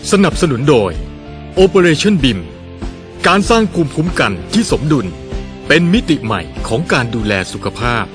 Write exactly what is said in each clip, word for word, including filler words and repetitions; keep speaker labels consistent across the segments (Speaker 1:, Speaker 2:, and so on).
Speaker 1: สนับสนุนโดย Operation บี ไอ เอ็ม การสร้างภูมิคุ้มกันที่สมดุลเป็นมิติใหม่ของการดูแลสุขภาพ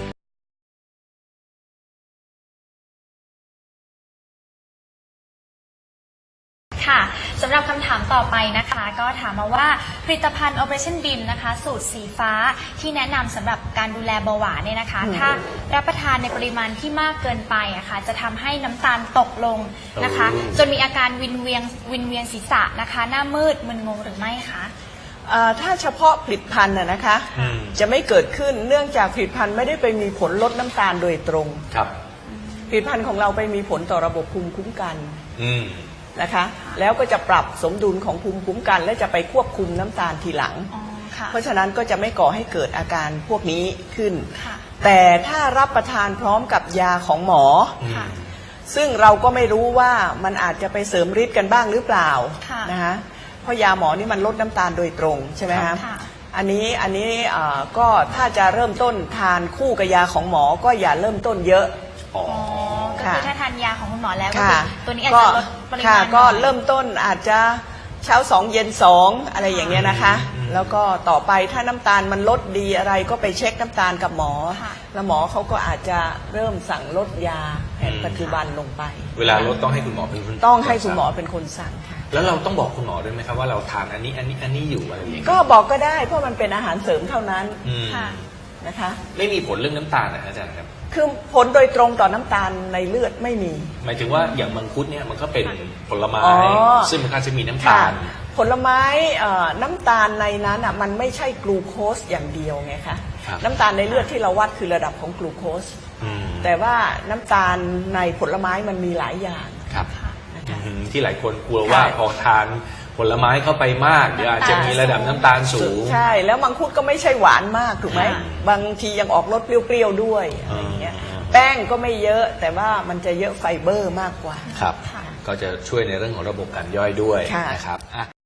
Speaker 2: ค่ะสำหรับคำถามต่อไปนะคะก็ถามมาว่าผลิตภัณฑ์ Operation บี ไอ เอ็ม นะคะสูตรสีฟ้าที่แนะนำสำหรับการดูแลเบาหวานเนี่ยนะคะถ้ารับประทานในปริมาณที่มากเกินไปอะคะ่ะจะทำให้น้ำตาลตกลงนะคะจนมีอาการวินเวียนวินเวียนศีรษะนะคะหน้ามืดมึนงงหรือไม่คะ
Speaker 3: ถ้าเฉพาะผลิตภัณฑ์น่ะนะคะจะไม่เกิดขึ้นเนื่องจากผลิตภัณฑ์ไม่ได้ไปมีผลลดน้ำตาลโดยตรง
Speaker 4: ครับ
Speaker 3: ผลิตภัณฑ์ของเราไปมีผลต่อระบบภูมิคุ้มกันนะคะแล้วก็จะปรับสมดุลของภูมิคุ้มกัน และจะไปควบคุมน้ำตาลทีหลังเพราะฉะนั้นก็จะไม่ก่อให้เกิดอาการพวกนี้ขึ้นแต่ถ้ารับประทานพร้อมกับยาของหมอซึ่งเราก็ไม่รู้ว่ามันอาจจะไปเสริมฤทธิ์กันบ้างหรือเปล่านะคะเพราะยาหมอนี่มันลดน้ำตาลโดยตรงใช่ไหมคะอันนี้อันนี้ก็ถ้าจะเริ่มต้นทานคู่กับยาของหมอก็อย่าเริ่มต้นเยอะ
Speaker 2: อ๋อก็คือถ้าทานยาของคุณหมอแล้วก็ตัวนี้อาจจะลดปริมาณ
Speaker 3: ก็เริ่มต้นอาจจะเช้าสองเย็นสองอะไรอย่างเงี้ยนะคะแล้วก็ต่อไปถ้าน้ำตาลมันลดดีอะไรก็ไปเช็คน้ำตาลกับหมอแล้วหมอเขาก็อาจจะเริ่มสั่งลดยาแผนปัจจุบันลงไป
Speaker 4: เวลาลดต้องให้คุณหมอเป็นคน
Speaker 3: ต้องให้คุณหมอเป็นคนสั่งค่ะ
Speaker 4: แล้วเราต้องบอกคุณหมอด้วยไหมครับว่าเราทานอันนี้อันนี้อันนี้อยู่อะไรอย่างเงี้ย
Speaker 3: ก็บอกก็ได้เพราะมันเป็นอาหารเสริมเท่านั้นนะคะ
Speaker 4: ไม่มีผลเรื่องน้ำตาลนะอาจารย์ครับ
Speaker 3: คือผลโดยตรงต่อน้ำตาลในเลือดไม่มี
Speaker 4: หมายถึงว่าอย่างมังคุดเนี่ยมันก็เป็นผลไม้ซึ่งมันก็จะมีน้ำตาล
Speaker 3: ผลไม้น้ำตาลในนั้นอ่ะมันไม่ใช่กลูโคสอย่างเดียวไงคะน้ำตาลในเลือดที่เราวัดคือระดับของกลูโคสแต่ว่าน้ำตาลในผลไม้มันมีหลายอย่าง
Speaker 4: ครับที่หลายคนกลัวว่าพอทานผลไม้เข้าไปมากเดี๋ยวอาจจะมีระดับน้ำตาลสูง
Speaker 3: ใช่แล้วมังคุดก็ไม่ใช่หวานมากถูกไหมบางทียังออกรสเปรี้ยวๆด้วยอะไรอย่างเงี้ยแป้งก็ไม่เยอะแต่ว่ามันจะเยอะไฟเบอร์มากกว่า
Speaker 4: ครับก็จะช่วยในเรื่องของระบบการย่อยด้วยนะครับ